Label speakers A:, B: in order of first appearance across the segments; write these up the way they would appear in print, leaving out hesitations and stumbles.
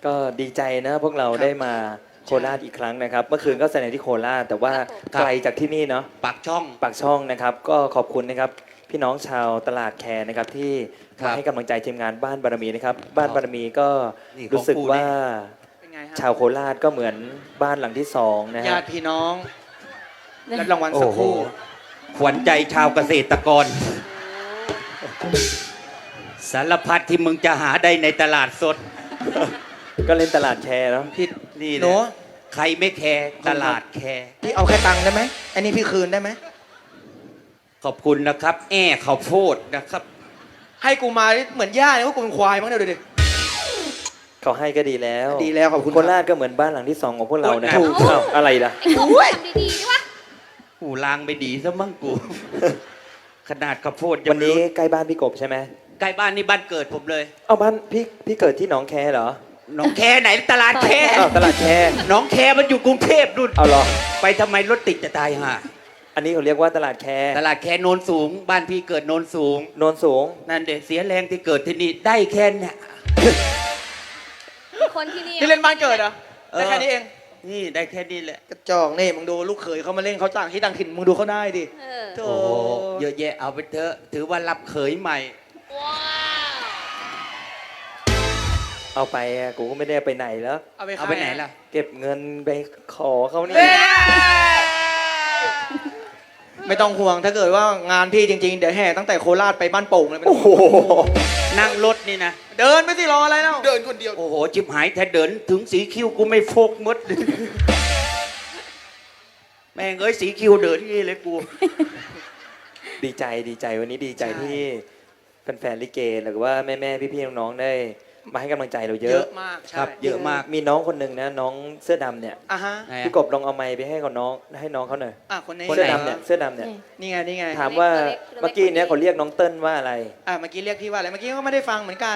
A: ก็ดีใจนะพวกเราได้มาโคราชอีกครั้งนะครับเมื่อคืนก็แสดงที่โคราชแต่ว่าไกลจากที่นี่เนาะ
B: ปากช่อง
A: ปากช่องนะครับก็ขอบคุณนะครับพี่น้องชาวตลาดแคร์นะครับที่มาให้กำลังใจทีมงานบ้านบารมีนะครับบ้านบารมีก็รู้สึกว่าชาวโคราชก็เหมือนบ้านหลังที่สองนะฮะ
C: ญาติพี่น้องรับรางวัลสักครู่
B: ขวัญใจชาวเกษตรกร สารพัดที่มึงจะหาได้ในตลาดสด
A: ก็เล่นตลาดแคร์เนาะ
C: พี่
B: นี่
C: หนู
B: นะใครไม่แคร์ตลาดแคร์
C: พี่เอาแค่ตังค์ได้ไหมอันนี้พี่คืนได้ไหม
B: ขอบคุณนะครับ แอ้ข้าวโพดนะครับ
C: ให้กูมาเหมือนย่าเนี่ยว่ากูเป็นควายมั้งเนี่ยดูดิ
A: เขาให้ก็ดีแล้ว
C: ดีแล้วขอบคุณ
A: โคราชก็เหมือนบ้านหลังที่สองของพวกเรานะ
B: ถูก
A: อ้าวอะไรล่ะ
D: ไอ้พวกทำดีๆดิวะ
B: หูลางไปดีซะมั่งกู ขนาดข้าวโพด
A: วันนี้ใกล้บ้านพี่กบใช่ไหม
B: ใกล้บ้านนี่บ้านเกิดผมเลย
A: เอาบ้านพี่เกิดที่หนองแคเหรอ
B: หน้องแคไหนตลาดแค
A: อ้าวตลาดแค
B: หน้องแคมันอยู่กรุงเทพนู่น
A: เอาเหรอ
B: ไปทำไมรถติดจะตายห่า
A: อันนี้เขาเรียกว่าตลาดแค
B: ตลาดแคโนนสูง บ้านพี่เกิดโนนสูง
A: โนนสูง
B: นั่นเด็เสียแรงที่เกิดที่นี่ได้แค่เนี่ย
D: คนที่นี่
C: นี่เล่นบ้านเกิดเหรอได้แค่นี้เอง
B: นี่ได้แค่นี้แหละ
C: กระจอกนี่มึงดูลูกเขยเขามาเล่นเขาต่างที่ต่างถิ่นมึงดูเขาได้ดิ
D: เออ
C: โธ่
B: โอ้โหเยอะแยะเอาไปเถอะถือว่ารับเขยใหม่
D: ว้าว
A: เอาไปอะกูก็ไม่ได้ไปไหนแล้ว
C: เอาไป
B: เอาไปไหนล่ะ
A: เก็บเงินไปขอเขานี่
C: ไม่ต้องห่วงถ้าเกิดว่างานพี่จริงๆเดี๋ยวแห่ตั้งแต่โคราชไปบ้านโป่งเลยไม่ต้
A: โอ้
C: อง
A: โห
B: นั่งรถนี่นะ
C: เดินไม่สิรออะไรแล้วเดินคนเดียว
B: โอ้โหจิบหายแท้เดินถึงสีคิ้วกูไม่โฟกมด แม่งเอ้ยสีคิ้วเดินนี่เลยกู
A: ดีใจวันนี้ดีใจที่แฟนๆลิเกหรือว่าแม่ๆพี่ๆน้องๆได้มาให้กำลังใจเราเย
C: เย
A: อะ
C: อะมากใช่
B: ครับเยอะมาก
A: มีน้องคนหนึ่งนะน้องเสื้อดำเนี่ย
C: อ่ะฮะ
B: ไหนอะ
A: พี่กบลองเอาไมค์ไปให้กับน้องให้น้องเขาหน่อย
C: อ่ะคนนี้
A: เสื้อดำเนี่ยเสื้อดำเนี่ย
C: นี่ไงนี่ไง
A: ถามว่าเมื่อกี้เนี่ยเขาเรียกน้องเติ้ลว่าอะไร
C: อ่ะเมื่อกี้เรียกพี่ว่าอะไรเมื่อกี้ก็ไม่ได้ฟังเหมือนกัน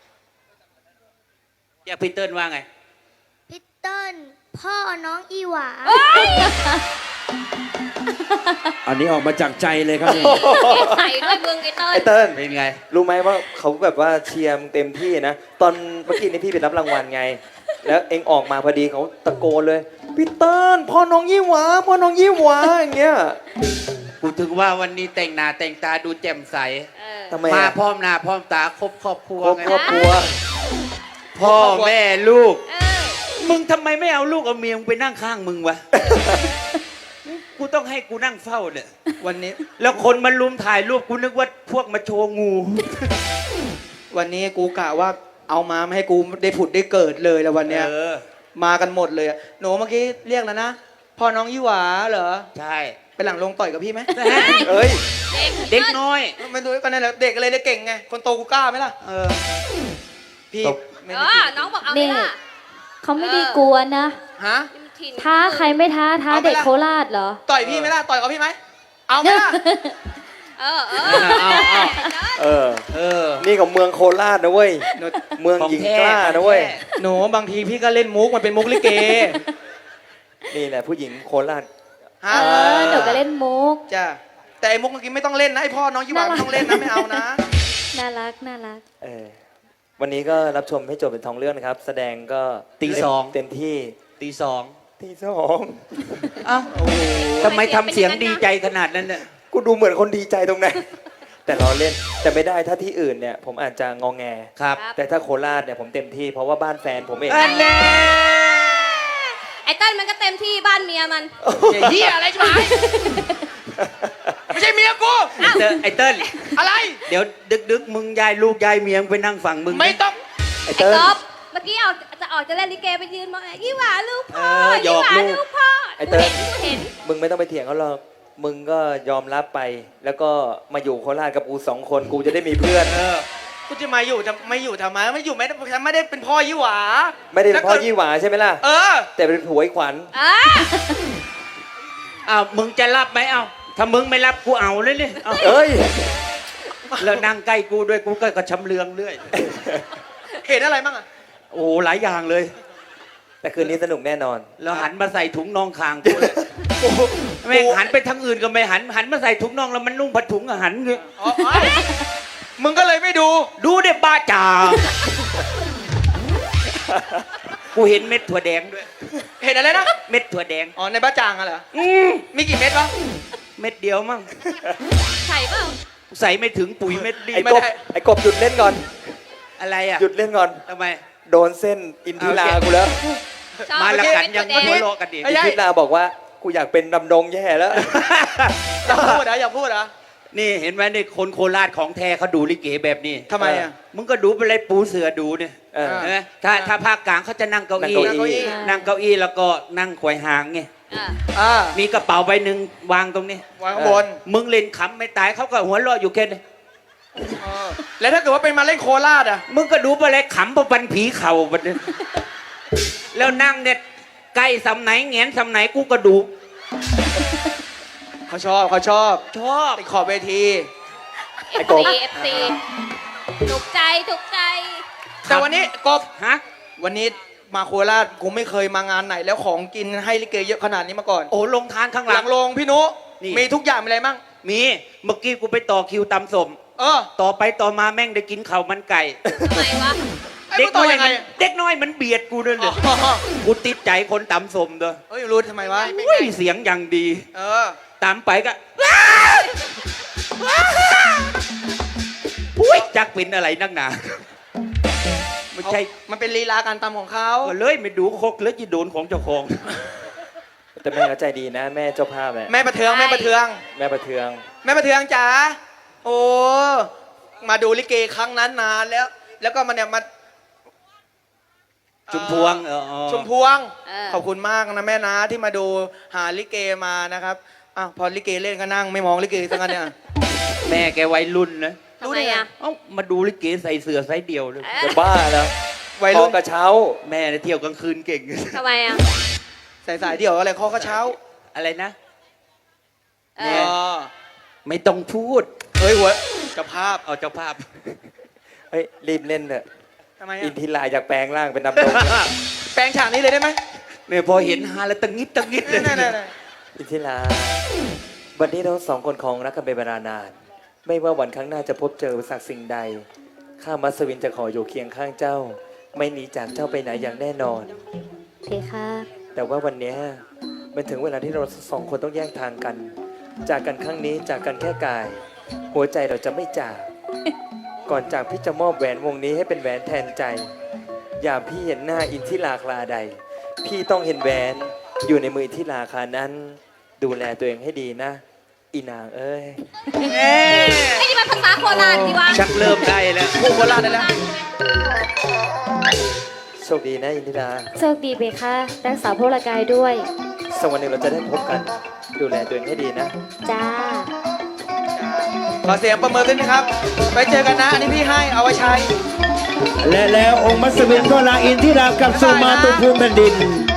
B: เรียกพี่เติ้ลว่าไง
E: พี่เติ้ลพ่อน้องอีหวา
F: อันนี้ออกมาจากใจเลยครับเนี่ย
D: ใส่ด้วยมึงไอ้เติ้ล
A: ไอ้เติ้ล
B: เป็นไง
A: รู้ไหมว่าเขาแบบว่าเชียร์มึงเต็มที่นะตอนเมื่อกี้นี่พี่ไปรับรางวัลไง แล้วเองออกมาพอดีเขาตะโกนเลยพี่เติ้ลพ่อน้องยี่หวาพ่อน้องยี่หวาอย่างเงี้ย
B: กูถึงว่าวันนี้แต่งหน้าแต่งตาดูแจ่มใส
D: เออ
A: ทำไม
B: มา
A: อะ
B: พร้อมหน้าพร้อมตาครบครอบครัว
A: ครอบ
B: ไง
A: ครอบครัว
B: พ่อแม่ลูก
D: เออ
B: มึงทำไมไม่เอาลูกเอาเมียมึงไปนั่งข้างมึงวะ กูต้องให้กูนั่งเฝ้าเนี่ย
C: วันนี้
B: แล้วคนมาลุมถ่ายรูปกูนึกว่าพวกมาโชว์งู
C: วันนี้กูกะว่าเอามาไม่ให้กูได้ผุดได้เกิดเลยแล้ววันเนี้ย
B: เออ
C: มากันหมดเลยอะหนูเมื่อกี้เรียกแล้วนะพ่อน้องยี่หวาเหรอ
B: ใช่
C: ไปหลังลงต่อยกับพี่ไหม
A: เอ้ย
B: เด็กน้อย
C: ไม่ดูกันนั่นแหละเด็กอะไรได้เก่งไงคนโตกูกล้าไหมล่ะ
B: เออ
C: พี่
A: ตบ
C: ไม่
D: เอ
C: ได้
D: อ
C: กิน
D: น้องบอกเอาไหม
E: นี่
D: ล่ะ
E: เขาไม่ได้กลัวนะ
C: ฮะ
D: ถิ่น
E: ท้าใครไม่ท้าเด็กโคราชเหรอ
C: ต่อยพี่ไหมล่ะต่อยกับพี่ไหมเอาไหมล่ะ
D: เออเออ
B: เอา
A: เออ
B: เออ
A: นี่ของเมืองโคราชนะเว้ย
C: หนู
A: เมืองหญิงกล้านะเว้ย
C: หนูบางทีพี่ก็เล่นมุกมันเป็นมุกลิเก
A: นี่แหละผู้หญิงโคราช
C: ฮะ
E: เออหนูก็เล่นมุก
C: จ้ะแต่ไอ้มุกเมื่อกี้ไม่ต้องเล่นนะไอ้พ่อน้องยี่หวาไม่ต้องเล่นนะไม่เอานะ
E: น่ารักน่ารัก
A: เออวันนี้ก็รับชมให้จบเป็นทองเรื่องนะครับ แสดงก็
B: ตีสอง
A: เต็มที่
B: ตีสอง
A: ตีสอง
B: เอ้าทำไมทำเสียงดีใจขนาดนั้นเนี่ย
A: กูดูเหมือนคนดีใจตรงไหน แต่เราเล่นแต่ไม่ได้ถ้าที่อื่นเนี่ยผมอาจจะงองแง
B: ครับ
A: แต่ถ้าโคราชเนี่ยผมเต็มที่เพราะว่าบ้านแฟนผมเอง
B: อันแน่
D: ไอ้เติ้ลมันก็เต็มที่บ้านเมียมัน
C: อย่าเหี้ยอะไรใช่ไหมไม่ใช่เมียกู
B: ไอ้เติ้ล
C: อะไร
B: เดี๋ยวดึกๆมึงยายลูกยายเมียมึงไปนั่งฝั่งมึง
C: ไม่ต้อง
A: ไอ้
D: ไอ้
A: เติ้ล
D: ก๊อฟเมื่อกี้จะเล่นลิเกไปยืนมองยี่หวาลูกพ่อ
B: หย
D: ยี่
B: อก
D: หวา
B: ลูก
D: ลูกพ่อ
A: ไอ้เติ้ล
D: กูเห็น
A: มึงไม่ต้องไปเถียงเขาหรอกมึงก็ยอมรับไป แล้วก็มาอยู่โคราชกับกู2 คนกูจะได้มีเพื่อน
C: กูจะมาอยู่จะไม่อยู่ทำไมไม่อยู่ไม่ได้ฉันไม่ได้เป็นพ่อยี่หวา
A: ไม่ได้เป็นพ่อยี่หวาใช่ไหมล่ะ
C: เออ
A: แต่เป็นผัวไอ้ขวัญ
D: อ่ะ
B: อ้าวมึงจะรับไหมเอ้าถ้ามึงไม่รับกูเอาเลยเนี่ยเอา
A: เอ้ย
B: แล้วนั่งใกล้กูด้วยกูก็กระชำเลืองเรื่อย
C: เห็นอะไรบ้างอะ
B: โอ้โหหลายอย่างเลย
A: แต่คืนนี้สนุกแน่นอน
B: แล้วหันมาใส่ถุงน่องคางกูเลยแม่งหันไปทางอื่นก็ไม่หันมาใส่ถุงน่องแล้วมันนุ่งผ้าถุงอะหันเงี้ย
C: อ๋อมึงก็เลยไม่ดู
B: ดูเด็บ้าจ่ากูเห็นเม็ดถั่วแดงด้วย
C: เห็นอะไรนะ
B: เม็ดถั่วแดง
C: อ๋อในบ้าจางอะเหรอมีกี่เม็ดวะ
B: เม็ดเดียวมั้ง
D: ไข่เปล่า
B: ใส่ไม่ถึงปุ๋ยเม็ดดี
A: ไอ้
C: ไม่
A: กบ
C: ได้
A: ไอ้กบหยุดเล่นก่อน
B: อะไรอ่ะ
A: หยุดเล่นก่อน
B: ทำไม
A: โดนเส้นอินทิรากูแล้ว
D: ชอบ
B: มาละกันยัง
D: เม็ด
B: หั
D: ถั่
B: ว
D: วแดง
B: เราะกันดิ
C: ไม่
A: อิน
C: ใช่
A: ทิราบอกว่ากูอยากเป็นดำดงแย่แล้ว
C: อยากพูดเหรออยากพูดเหรอ
B: นี่เห็นไหมนี่คนโคราชของแท้เขาดูลิเกแบบนี้
C: ทำไมอ่ะ
B: มึงก็ดูไปเลยปูเสือดูเนี่ย
A: เออ
B: เห็นไหมถ้าภาคกลางเขาจะนั่งเก้าอี้
A: นั่งเก้าอี้
B: นั่งเก้าอี้แล้วก็นั่งขวายหางไง
D: อ่ะ
C: อ่า
B: มีกระเป๋าใบหนึ่งวางตรงนี้
C: วางข้างบน
B: มึงเล่นขำไม่ตายเขาก็หัวเราะอยู่แค่นี้
C: แล้วถ้าเกิดว่าเป็นมาเล่นโคราชอ่ะ
B: มึงก็ดูไปเลยขำประบันผีเข่าบันนี้แล้วนั่งเนี่ยใกล้สำไหนแงนสำไหนกูก็ดู
C: เขาชอบเขาชอบ
B: ชอบ
C: ติดขอบเวที
D: เอฟซีถูกใจถูกใจ
C: แต่วันนี้กบ
B: ฮะ
C: วันนี้มาโคราชกูไม่เคยมางานไหน แล้วของกินให้ลิเกเยอะขนาดนี้มาก่อน
B: โอ้ลงทานข้างห
C: ห
B: ลั
C: ลั
B: ง
C: งโรงพี่นุ
B: นี่
C: มีทุกอย่างมีอะไรมั่ง
B: มีเมื่อกี้กูไปต่อคิวตำสม
C: เออ
B: ต่อไปต่อมาแม่งได้กินข้าวมันไก่
D: ทำไมวะ
C: ไอ้
B: เด็
C: มึ
B: ก
C: งต่
B: น้
C: อ
B: อย
C: ยังไง
B: มันเด็กน้อยมันเบียดกูด้วยเลย
C: อ๋อ
B: กูติดใจคนตำสมเด้อ
C: เอ้ยรู้ทำไมวะ
B: อุ้ยเสียงอย่างดี
C: เออ
B: ตามไปก็อุ้ยจักเป็นอะไรนักหนาไม่ใช่
C: มันเป็นลีลาการตำของเขา
B: ก็เลยไม่ดูคกแล้วจะโดนของเจ้าของ
A: แต่แม่ก็ใจดีนะ แม่เจ้าภาพแม่
C: แม่ประเทืองแม่ประเทือง
A: แม่ประเทือง
C: แม่ประเทืองจ๋าโอ้มาดูลิเกครั้งนั้นนานแล้ว แล้วก็มาเนี่ยมา
B: ชุมพวง
C: ชุมพวง
D: เออ
C: ขอบคุณมากนะแม่นะที่มาดูหาลิเกมานะครับอ้าวพอลิเกเล่นก็นั่งไม่มองลิเกทั้งนั้นเนี่ย
B: แม่แกวัยรุ่นนะ
D: ทำไมอ่ะ
B: เอ้ามาดูลิเกใส่เสื้อไซส์เดียวเลย
D: เอ๊ะ
A: จะบ้าแล้ว
C: วัย
A: คอ
C: รุ่น
A: กระเช้า
B: แม่เนี่ยเที่ยวกลางคืนเก่ง
D: ทำไมอ่ะ
C: ใส่สายเดี่ยวอะไรข้อกระเช้า
B: อะไรนะ
D: เอ
C: เอ
D: อ
C: อ
B: ไม่ต้องพูด
C: เฮ้ยหัวเจ้าภาพ
B: เอาเจ้าภาพ
A: เฮ้ยรีบเล่นเถอะ
C: ทำไม
A: อิ
C: อ่ะ
A: นทิราอยากแปลงร่างเป็นดำดง
C: แปลงฉากนี้เลยได้ไหม
B: เนี่ยพอเห็นฮาแล้วตังงิดตังงิดเลย
C: นั่น
A: อินทิราวันนี้เราสองคนของรักกันเป็นเวลานาน ไม่ว่าวันข้างหน้าจะพบเจออุปสรรคสิ่งใด ข้ามัสวินจะขออยู่เคียงข้างเจ้า ไม่หนีจากเจ้าไปไหนอย่างแน่นอน
E: เพคะ
A: แต่ว่าวันเนี้ยมันถึงเวลาที่เราสองคนต้องแยกทางกัน จากกันครั้งนี้จากกันแค่กาย หัวใจเราจะไม่จาก ก่อนจากพี่จะมอบแหวนวงนี้ให้เป็นแหวนแทนใจ อย่าพี่เห็นหน้าอินทิราคลาใด พี่ต้องเห็นแหวนอยู่ในมืออินทิราคลานั้น ดูแลตัวเองให้ดีนะ อีนางเอ้ย
D: ไอ้นี่มันภาษาโคราชดีวะ
B: ชักเริ่มได้แล้ว
C: ๆพูดโคราชได้แล้ว
A: โชคดีนะอินทิรา
E: โชคดีเพคะรักษาพลกายด้วย
A: สักวันหนึ่งเราจะได้พบกัน ดูแลตัวเองให้ดีนะ
E: จ้า
C: ขอเสียงประเมินด้วยนะครับ ไปเจอกันนะ อันนี้พี่ให้เอาไว้ใช้
F: และแล้วองค์มัสวินก็ลาอินทิรากลับสู่มาตุภูมิแผ่นดิน